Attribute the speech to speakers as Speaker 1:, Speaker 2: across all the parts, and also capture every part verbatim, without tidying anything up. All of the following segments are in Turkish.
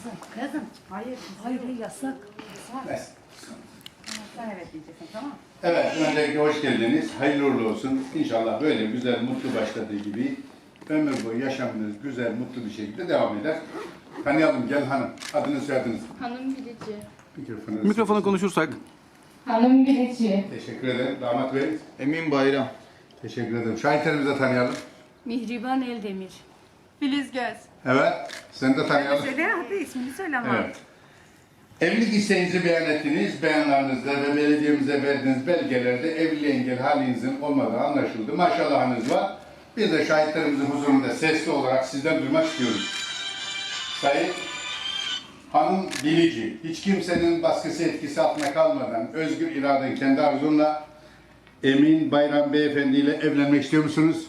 Speaker 1: Kızım, kızım.
Speaker 2: Hayır.
Speaker 1: Hayır, yasak.
Speaker 3: Evet.
Speaker 2: Sen evet diyeceksin, tamam.
Speaker 3: Evet, öncelikle hoş geldiniz. Hayırlı uğurlu olsun. İnşallah böyle güzel, mutlu başladığı gibi ömür boyu yaşamınız güzel, mutlu bir şekilde devam eder. Tanıyalım, gel hanım. Adını soyadınız.
Speaker 4: Hanım bilici.
Speaker 3: Mikrofonu,
Speaker 5: Mikrofona konuşursak.
Speaker 4: Hanım bilici.
Speaker 3: Teşekkür ederim. Damat Bey.
Speaker 5: Emin Bayram.
Speaker 3: Teşekkür ederim. Şahitlerimizi de tanıyalım.
Speaker 1: Mihriban Eldemir.
Speaker 4: Filiz Göz.
Speaker 3: Evet, seni de tanıyalım.
Speaker 2: Söyle, hadi ismini söyle ama.
Speaker 3: Evet. Evlilik isteğinizi beyan ettiniz. Beyanlarınızda ve belediyemize verdiğiniz belgelerde evliliğe engel halinizin olmadığı anlaşıldı. Maşallahınız var. Biz de şahitlerimizin huzurunda sesli olarak sizden duymak istiyoruz. Sayın Hanım Bilici, hiç kimsenin baskısı etkisi altına kalmadan özgür iraden kendi arzunla Emin Bayram Beyefendi ile evlenmek istiyor musunuz?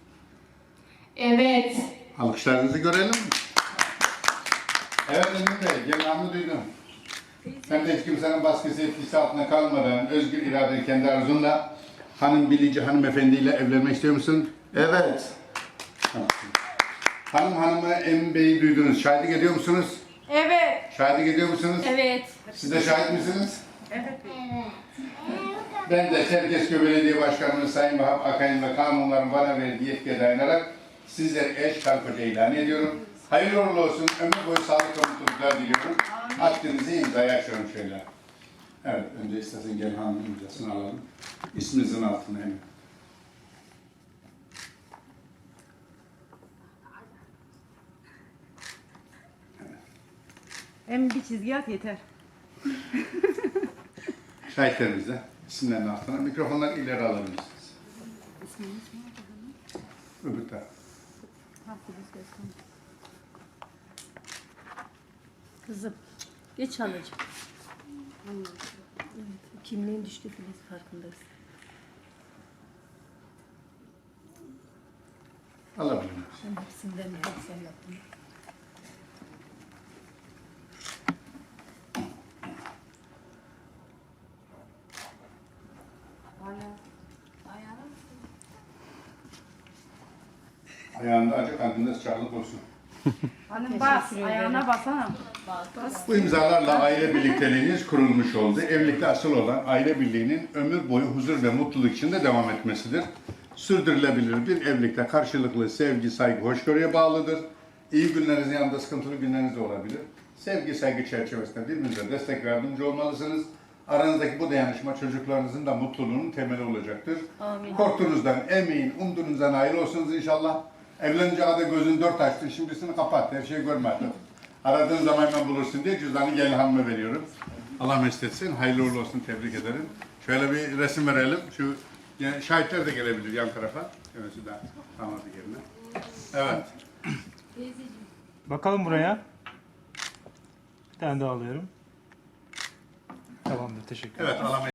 Speaker 4: Evet.
Speaker 3: Alkışlarınızı görelim. Evet Emin Bey, genelini duydum. Sen de hiç kimsenin baskısı etkisi altına kalmadan özgür iraden kendi arzunla Hanım Bilici hanımefendi ile evlenmek istiyor musun?
Speaker 5: Evet.
Speaker 3: Tamam. Hanım hanımı Emin Bey'i duydunuz. Şahitlik ediyor musunuz?
Speaker 4: Evet.
Speaker 3: Şahitlik ediyor musunuz?
Speaker 4: Evet.
Speaker 3: Siz de şahit misiniz?
Speaker 2: Evet.
Speaker 3: Ben de Çerkezköy Belediye Başkanımız Sayın Vahap Akay'ın ve kanunların bana verdiği yetkiye dayanarak sizleri eş karı koca ilan ediyorum. Hayırlı uğurlu olsun, ömür boyu sağlık ve mutluluklar diliyorum. Akdenizi imzaya açıyorum şöyle. Evet, önce istersen gel hanım imzasını alalım. İsminizin altına hemen.
Speaker 2: Hem bir çizgi at yeter.
Speaker 3: Şahitlerimiz de isimlerin altına. Mikrofonları ileri alabilirsiniz. Öbür taraf.
Speaker 1: Kızım, geç alacağım. Evet, kimliğin düştü Filiz, farkındayız.
Speaker 3: Alabilir miyiz?
Speaker 1: Ben hepsinden bir sen yaptın.
Speaker 3: Ayağında acı kalbinde sıcaklık olsun.
Speaker 2: Hanım bas, ayağına basana.
Speaker 3: Bu imzalarla aile birlikteliğiniz kurulmuş oldu. Evlilikte asıl olan aile birliğinin ömür boyu huzur ve mutluluk içinde devam etmesidir. Sürdürülebilir bir evlilikte karşılıklı sevgi, saygı, hoşgörüye bağlıdır. İyi günlerinizin yanında sıkıntılı günleriniz de olabilir. Sevgi, saygı çerçevesinde birbirinize destek ve yardımcı olmalısınız. Aranızdaki bu dayanışma çocuklarınızın da mutluluğunun temeli olacaktır.
Speaker 1: Amin.
Speaker 3: Korktuğunuzdan emin, umduğunuzdan ayrı olsunuz inşallah. Evlenince adı gözün dört açtın, şimdisini kapat, her şeyi görmedin. Aradığın zaman hemen bulursun diye cüzdanı gelin hanıma veriyorum. Allah mesut etsin, hayırlı uğurlu olsun, tebrik ederim. Şöyle bir resim verelim, şu yani şahitler de gelebilir yan tarafa. Şöyle de damadı yerine. Evet.
Speaker 6: Bakalım buraya. Bir tane daha alıyorum. Tamamdır, teşekkür ederim.
Speaker 3: Evet, alamayız.